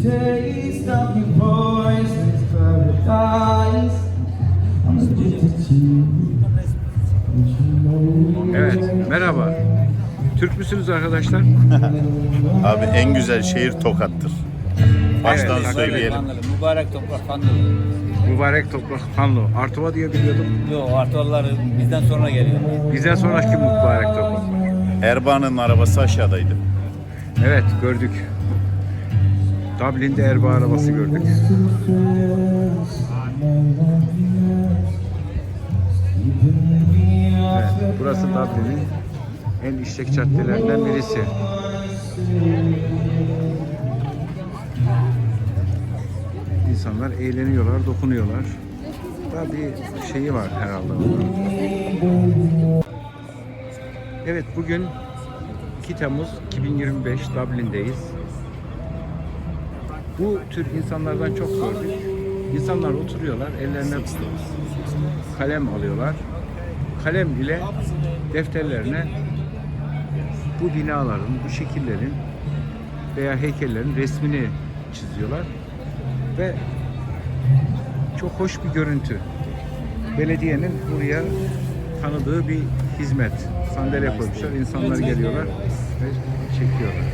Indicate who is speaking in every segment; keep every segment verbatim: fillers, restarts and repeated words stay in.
Speaker 1: taste of your voice, it's paradise. I'm addicted to you.
Speaker 2: Evet, merhaba. Türk müsünüz arkadaşlar?
Speaker 3: Abi en güzel şehir Tokat'tır. Baştan
Speaker 2: Evet,
Speaker 3: söyleyelim.
Speaker 4: Fanlı, mübarek toprak Fanlı.
Speaker 2: Mübarek toprak Fanlı. Artuva diye biliyordum.
Speaker 4: Yok, Artuvalılar bizden sonra geliyor.
Speaker 2: Bizden sonraki mübarek toprak.
Speaker 3: Erbaa'nın arabası aşağıdaydı.
Speaker 2: Evet, gördük. Dublin'de Erbaa arabası gördük. Evet, burası Dublin'in en işlek caddelerinden birisi. İnsanlar eğleniyorlar, dokunuyorlar. Daha bir şeyi var herhalde. Evet, bugün iki Temmuz iki bin yirmi beş, Dublin'deyiz. Bu tür insanlardan çok gördük. İnsanlar oturuyorlar, ellerine kalem alıyorlar. Kalem ile defterlerine bu binaların, bu şekillerin veya heykellerin resmini çiziyorlar. Ve çok hoş bir görüntü. Belediyenin buraya tanıdığı bir hizmet. Sandalye koymuşlar, insanlar geliyorlar ve çekiyorlar.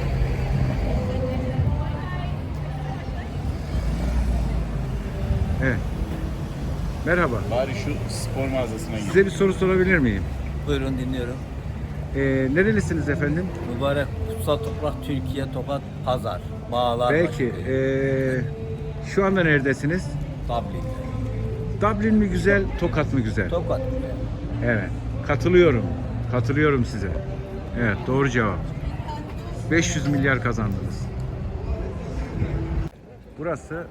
Speaker 2: Evet. Merhaba.
Speaker 3: Bari şu spor mağazasına git.
Speaker 2: Size bir soru sorabilir miyim?
Speaker 4: Buyurun dinliyorum.
Speaker 2: Ee, nerelisiniz efendim?
Speaker 4: Mübarek kutsal toprak Türkiye, Tokat, Pazar, Bağlar.
Speaker 2: Peki. Ee, şu anda neredesiniz?
Speaker 4: Dublin.
Speaker 2: Dublin mi güzel, Tokat mı güzel?
Speaker 4: Tokat.
Speaker 2: Evet. Katılıyorum. Katılıyorum size. Evet, doğru cevap. beş yüz milyar kazandınız. Burası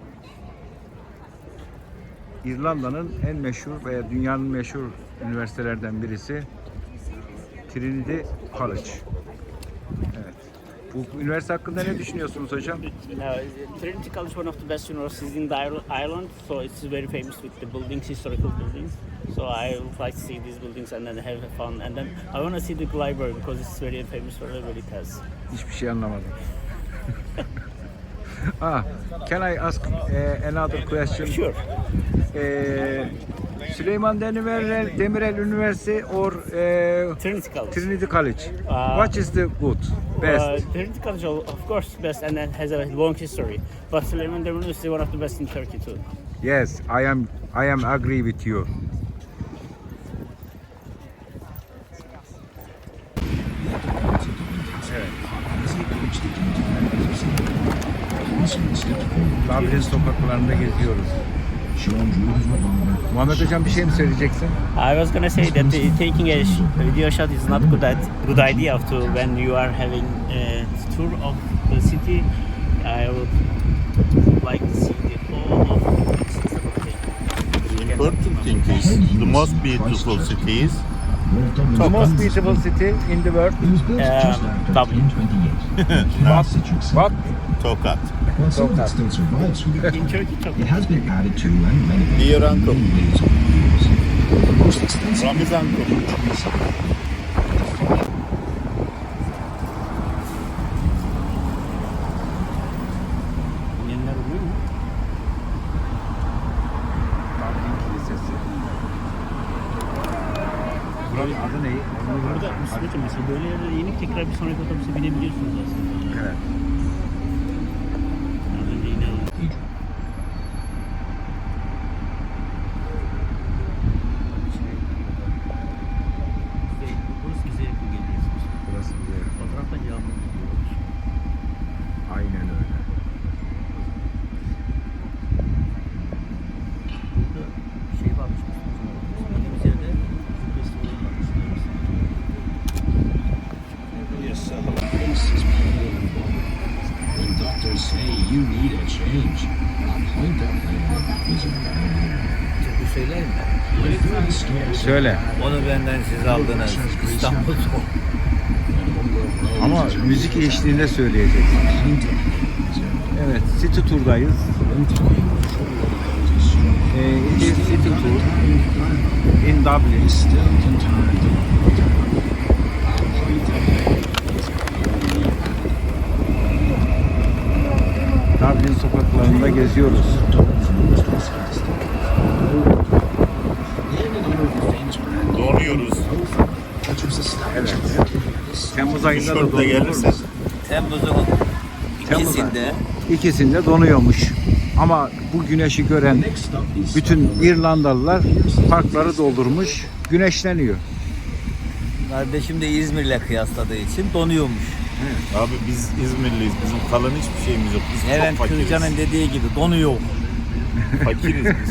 Speaker 2: İrlanda'nın en meşhur veya dünyanın meşhur üniversitelerden birisi. Trinity College. Evet. Bu üniversite hakkında ne düşünüyorsunuz hocam?
Speaker 5: Uh, Trinity College is one of the best universities in the Ir- Ireland, so it's very famous with the buildings, historical buildings. So I would like to see these buildings and then have fun. And then I want to see the library because it's very famous for whatever it has.
Speaker 2: Hiçbir şey anlamadım. ah, can I ask uh, another question?
Speaker 5: Sure.
Speaker 2: Uh, Süleyman Demirel, Demirel Üniversitesi or uh,
Speaker 5: Trinity College.
Speaker 2: Trinity College.
Speaker 5: Uh,
Speaker 2: What is the good, best?
Speaker 5: Uh, Trinity College, of course, best and then has a long history. But Süleyman Demirel University is one of the best in Turkey too.
Speaker 2: Yes, I am. I am agree with you. Dublin sokaklarında geziyoruz. Muhammed hocam bir şey mi söyleyeceksin?
Speaker 5: I was gonna say that the, taking a sh- video shot is not good at good idea of to when you are having a tour of the city. I would like to see the whole of the system of things.
Speaker 3: The important thing is the most beautiful city is
Speaker 2: The most beautiful city in the world.
Speaker 5: Um, Dublin.
Speaker 2: What? What?
Speaker 3: Tokat.
Speaker 6: While some of it still survives from the
Speaker 5: In Turkey, Turkey.
Speaker 6: it has been added to and renovated
Speaker 3: Dear uncle.
Speaker 6: millions of years. The most extensive
Speaker 3: Ramiz uncle.
Speaker 5: Bilenler oluyor mu?
Speaker 2: Dublin Kilisesi. Buranın adı ne?
Speaker 5: Burada Müslümanca mesela böyle yerlere inip tekrar bir sonraki otobüse binebiliyorsunuz aslında.
Speaker 2: Evet.
Speaker 5: Az önce yine burası bize yakın geliyorsunuz.
Speaker 2: Burası bir yer.
Speaker 5: Fotoğraftan yağmur gidiyor.
Speaker 2: Aynen öyle.
Speaker 5: Burada şey varmış. Gittiğimiz yerde müzik festivali varmış.
Speaker 6: When doctors say you need a change, a pint of ale is a
Speaker 4: Türkü söyler mi?
Speaker 6: very scarce.
Speaker 2: Söyle.
Speaker 4: Onu benden siz aldınız. İstanbul soğuk.
Speaker 2: Ama müzik eşliğinde söyleyeceksin. Evet, City Tour'dayız. Ee, it is City Tour in Dublin. Dublin. Berlin sokaklarında geziyoruz.
Speaker 3: Donuyoruz.
Speaker 2: Evet. Temmuz ayında da
Speaker 3: Tişörtle
Speaker 2: donulur.
Speaker 3: gelirse.
Speaker 4: Temmuz'un
Speaker 2: Temmuz
Speaker 4: ikisinde
Speaker 2: İkisinde donuyormuş. Ama bu güneşi gören bütün İrlandalılar parkları doldurmuş, güneşleniyor.
Speaker 4: kardeşim de İzmir'le kıyasladığı için donuyormuş.
Speaker 3: Abi biz İzmirliyiz. Bizim kalan hiçbir şeyimiz yok. Biz
Speaker 4: Levent
Speaker 3: çok fakiriz.
Speaker 4: Kırca'nın dediği gibi donuyor.
Speaker 3: Fakiriz biz.